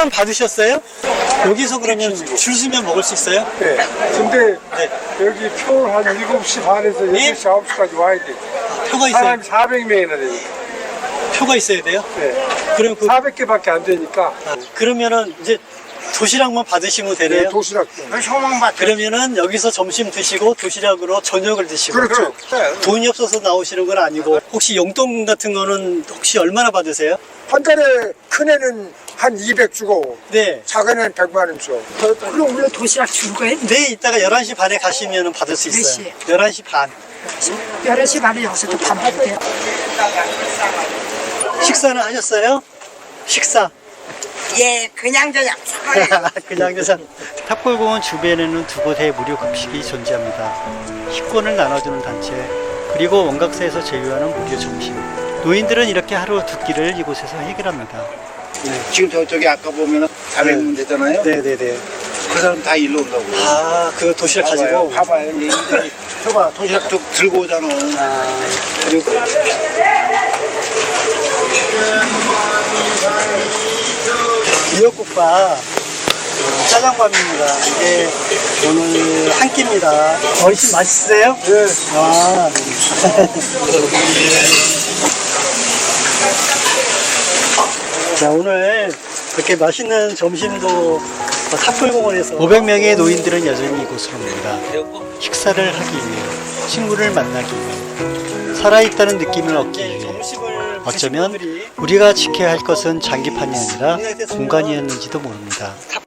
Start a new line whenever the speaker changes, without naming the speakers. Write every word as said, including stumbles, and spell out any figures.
식권 받으셨어요? 여기서 그러면 줄 서면 먹을 수 있어요?
네. 근데
네.
여기 표 한 일곱 시 반에서
네?
여덟 시, 아홉 시까지 와야 돼.
표가 있어요?
사람이 사백 명이나 되니까.
표가 있어야 돼요?
네.
그럼 그,
사백 개밖에 안 되니까.
아, 그러면은 이제 도시락만 받으시면 되네요?
네, 도시락.
그러면은 여기서 점심 드시고 도시락으로 저녁을 드시고
그렇죠.
돈이 없어서 나오시는 건 아니고 혹시 용돈 같은 거는 혹시 얼마나 받으세요?
한 달에 큰 애는 한 이백 주고
네.
작은 애는 백만 원 줘.
그럼 우리 도시락 줄 거예요?
네, 이따가 열한 시 반에 가시면 받을 수
몇
있어요.
시에?
열한 시 반.
열한 시 반에 여기서 또 밥 먹어도 돼요?
식사는 하셨어요? 식사.
예, 그냥 저냥.
그냥 계산. 탑골공원 주변에는 두 곳의 무료 급식이 존재합니다. 식권을 나눠주는 단체, 그리고 원각사에서 제휴하는 무료 점심. 노인들은 이렇게 하루 두 끼를 이곳에서 해결합니다.
지금 저쪽에 아까 보면 사백 명 되잖아요.
네네네.
그 사람 다 일로 온다고.
아, 그 도시락 가지고.
봐봐요. 얘들 저봐 도시락 도 들고 오잖아.
아, 그리고 미역국밥 짜장밥입니다. 이게 오늘 한 끼입니다. 어르신 맛있으세요?
네.
아. 자, 오늘 이렇게 맛있는 점심도 탑골공원에서 오백 명의 노인들은 여전히 이곳으로 옵니다. 식사를 하기 위해, 친구를 만나기 위해, 살아있다는 느낌을 얻기 위해. 어쩌면 우리가 지켜야 할 것은 장기판이 아니라 공간이었는지도 모릅니다.